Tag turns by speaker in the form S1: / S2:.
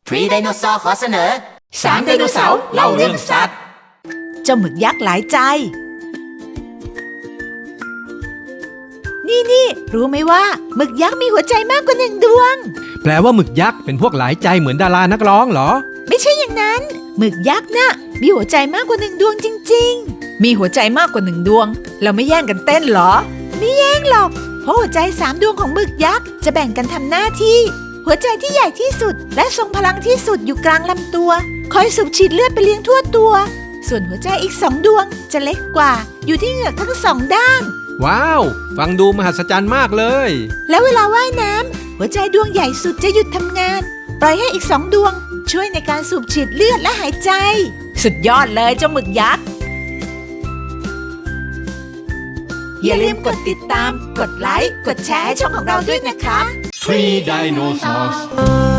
S1: พรีไดโนเสาร์ขอเสนอ3ไดโนเสาร์เล่าเรื่องสัตว์
S2: เจ้าหมึกยักษ์หลายใจนี่รู้ไหมว่าหมึกยักษ์มีหัวใจมากกว่า1ดวง
S3: แปลว่าหมึกยักษ์เป็นพวกหลายใจเหมือนดารานักร้องเหรอ
S2: ไม่ใช่อย่างนั้นหมึกยักษ์น่ะมีหัวใจมากกว่า1ดวงจริงๆมีหัวใจมากกว่า1ดวงเราไม่แย่งกันเต้นเหรอไม่แย่งหรอกเพราะหัวใจ3ดวงของหมึกยักษ์จะแบ่งกันทำหน้าที่หัวใจที่ใหญ่ที่สุดและทรงพลังที่สุดอยู่กลางลำตัวคอยสูบฉีดเลือดไปเลี้ยงทั่วตัวส่วนหัวใจอีก2ดวงจะเล็กกว่าอยู่ที่เหงือกทั้ง2ด้าน
S3: ว้าวฟังดูมหัศจรรย์มากเลย
S2: แล้วเวลาว่ายน้ำหัวใจดวงใหญ่สุดจะหยุดทำงานปล่อยให้อีก2ดวงช่วยในการสูบฉีดเลือดและหายใจสุดยอดเลยเจ้าหมึกยักษ์อย่าลืมกดติดตามกดไลค์กดแชร์ให้ช่องของเราด้วยนะคะ
S4: Three dinosaurs